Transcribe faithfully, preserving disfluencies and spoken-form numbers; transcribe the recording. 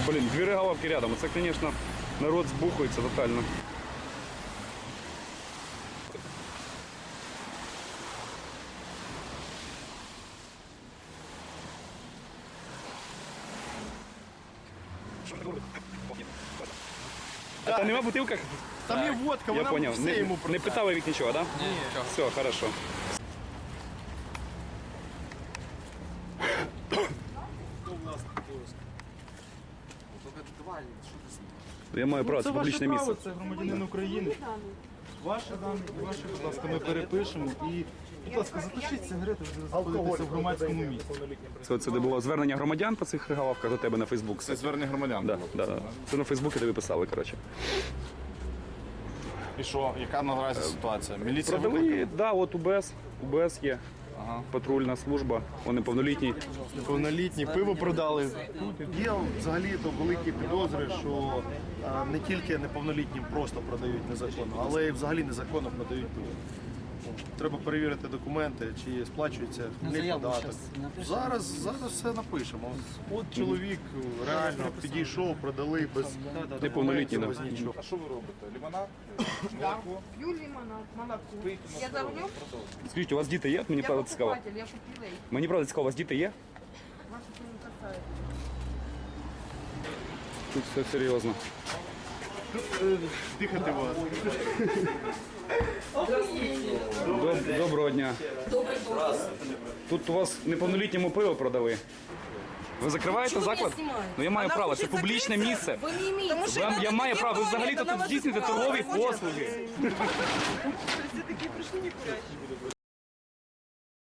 Блін, дві регаловки рядом. Це, звісно, народ збухується тотально. А там нема в бутилках? Там є водка, Я вона понял. все Не, йому не питали від нічого, так? Да? Ні, нічого. Все, хорошо. Я маю право, це Це ваше публічне право, місце. це громадянин України. Ваші дані і ваші, будь ласка, ми перепишемо. І, будь ласка, затушіть сигарети, ви знаходитеся в громадському місці. Це, це де було звернення громадян по цих регаловках до тебе на Фейсбук. Це звернення громадян. Да, да, да. Це на Фейсбуці тобі писали, коротше. І що, яка наразі ситуація? Міліція Продали, викликала? да, от УБС, УБС є, патрульна служба, вони повнолітні. Повнолітні, пиво продали. Є взагалі-то великі підозри, що а, не тільки неповнолітнім просто продають незаконно, але й взагалі незаконно продають пиво. Треба перевірити документи, чи сплачується хмільний податок. Зараз, зараз все напишемо. От чоловік реально підійшов, продали без Неповнолітній, документів, да. без нічого. А що ви робите? Лимонад? Пью лимонад, молоко. Я за рулем, Скажіть, у вас діти є? Мені я правда цікаво. покупатель, я купила их. Мені правда цікаво, у вас діти є? Вас это не касается. Тут все серйозно. Дихати вас. Доб- Доброго дня. Тут у вас неповнолітньому пиво продали. Ви закриваєте Чому заклад? мене знімають? Ну я маю Вона право, хоче це публічне закритися? місце. Ви не імієте. Тому що Вам, вона я таке маю право, ви говорить, взагалі-то вона тут вас здійснюєте знімала, торгові хоче. послуги.